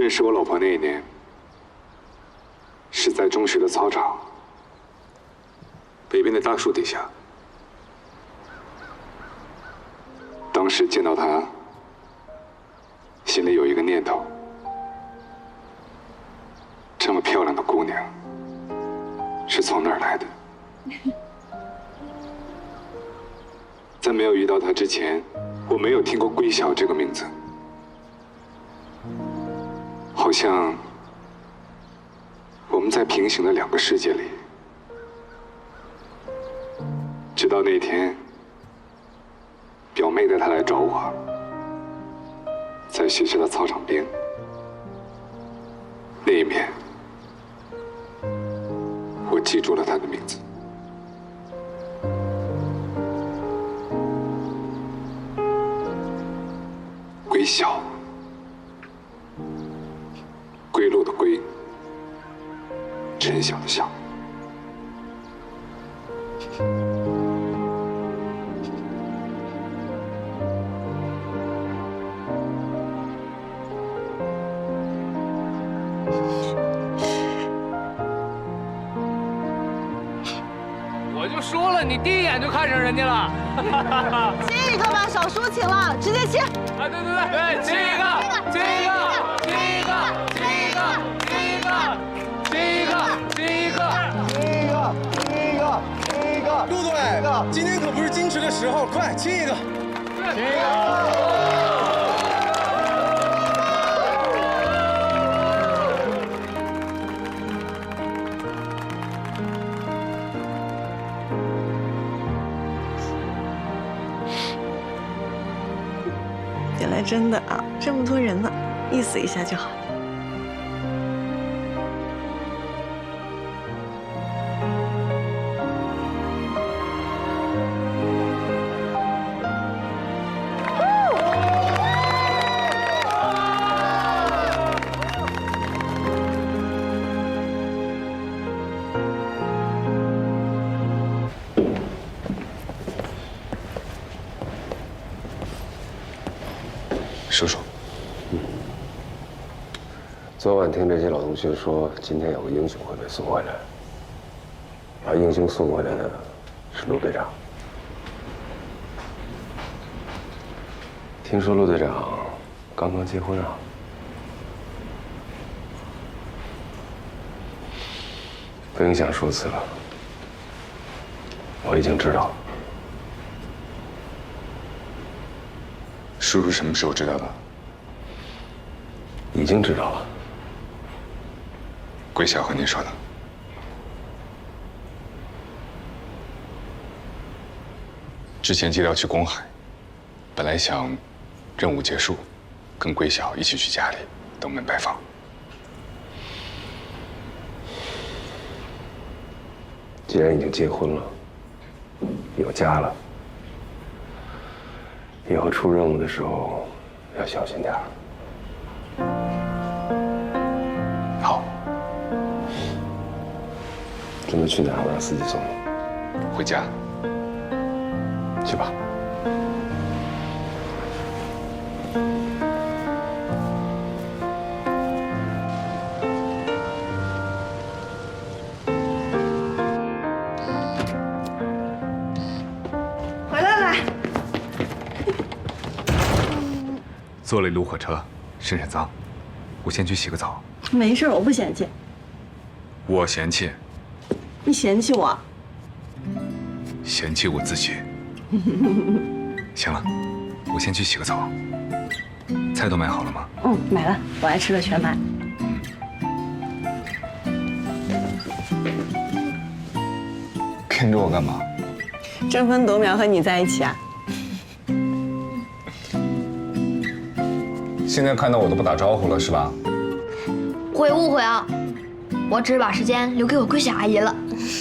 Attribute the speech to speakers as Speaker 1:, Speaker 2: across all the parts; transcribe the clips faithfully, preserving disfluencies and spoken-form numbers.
Speaker 1: 识我老婆那一年，是在中学的操场，北边的大树底下。当时见到她，心里有一个念头：这么漂亮的姑娘，是从哪儿来的？在没有遇到她之前，我没有听过桂晓这个名字。 好像我们在平行的两个世界里，直到那天，表妹带她来找我，在学校的操场边，那一面，我记住了她的名字。桂晓。 归路的归，陈晓的晓。
Speaker 2: 我就说了，你第一眼就看上人家了。
Speaker 3: 亲一个吧，少抒情了，直接亲。
Speaker 2: 啊，对对对对，亲一个，亲一个，亲一个。
Speaker 4: 陆队，今天可不是矜持的时候，快亲一个！亲一个！
Speaker 3: 原来真的啊，这么多人呢，意思一下就好。
Speaker 1: 叔叔，
Speaker 5: 嗯，昨晚听这些老同学说，今天有个英雄会被送回来，把英雄送回来的是陆队长。听说陆队长刚刚结婚啊？不影响说辞了，我已经知道了。
Speaker 1: 叔叔什么时候知道的？
Speaker 5: 已经知道了。
Speaker 1: 桂晓和您说的。之前接调去公海，本来想任务结束，跟桂晓一起去家里登门拜访。
Speaker 5: 既然已经结婚了，有家了。 以后出任务的时候要小心点儿。
Speaker 1: 好。
Speaker 5: 准备去哪儿？我让司机送你。
Speaker 1: 回家。
Speaker 5: 去吧。
Speaker 3: 回来了。
Speaker 1: 坐了一路火车，身上脏，我先去洗个澡。
Speaker 3: 没事，我不嫌弃。
Speaker 1: 我嫌弃。
Speaker 3: 你嫌弃我？
Speaker 1: 嫌弃我自己。行了，我先去洗个澡。菜都买好了吗？
Speaker 3: 嗯，买了，我爱吃的全买。
Speaker 1: 跟着我干嘛？
Speaker 3: 争分夺秒和你在一起啊。
Speaker 1: 现在看到我都不打招呼了是吧？
Speaker 6: 会误会啊，我只是把时间留给我桂晓阿姨了。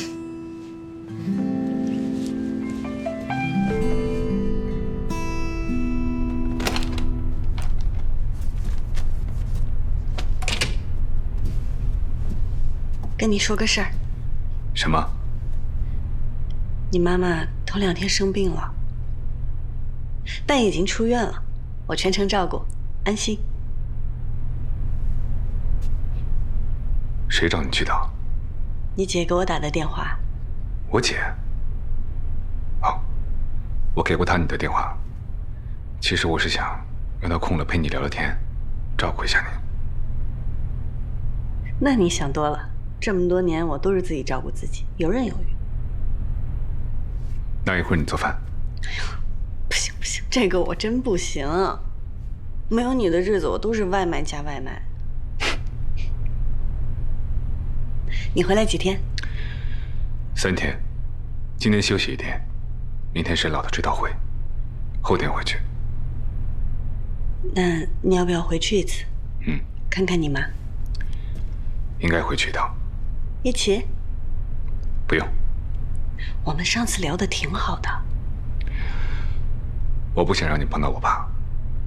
Speaker 3: 跟你说个事儿。
Speaker 1: 什么？
Speaker 3: 你妈妈头两天生病了，但已经出院了，我全程照顾，安心。
Speaker 1: 谁找你去的？
Speaker 3: 你姐给我打的电话。
Speaker 1: 我姐。好，我给过她你的电话。其实我是想让她空了陪你聊聊天，照顾一下你。
Speaker 3: 那你想多了，这么多年我都是自己照顾自己，游刃有余。
Speaker 1: 那一会儿你做饭。
Speaker 3: 哎呦，不行不行，这个我真不行。没有你的日子，我都是外卖加外卖。你回来几天？
Speaker 1: 三天，今天休息一天，明天沈老的追悼会，后天回去。
Speaker 3: 那你要不要回去一次？
Speaker 1: 嗯，
Speaker 3: 看看你妈。
Speaker 1: 应该回去一趟。
Speaker 3: 一起？
Speaker 1: 不用。
Speaker 3: 我们上次聊的挺好的。
Speaker 1: 我不想让你碰到我爸。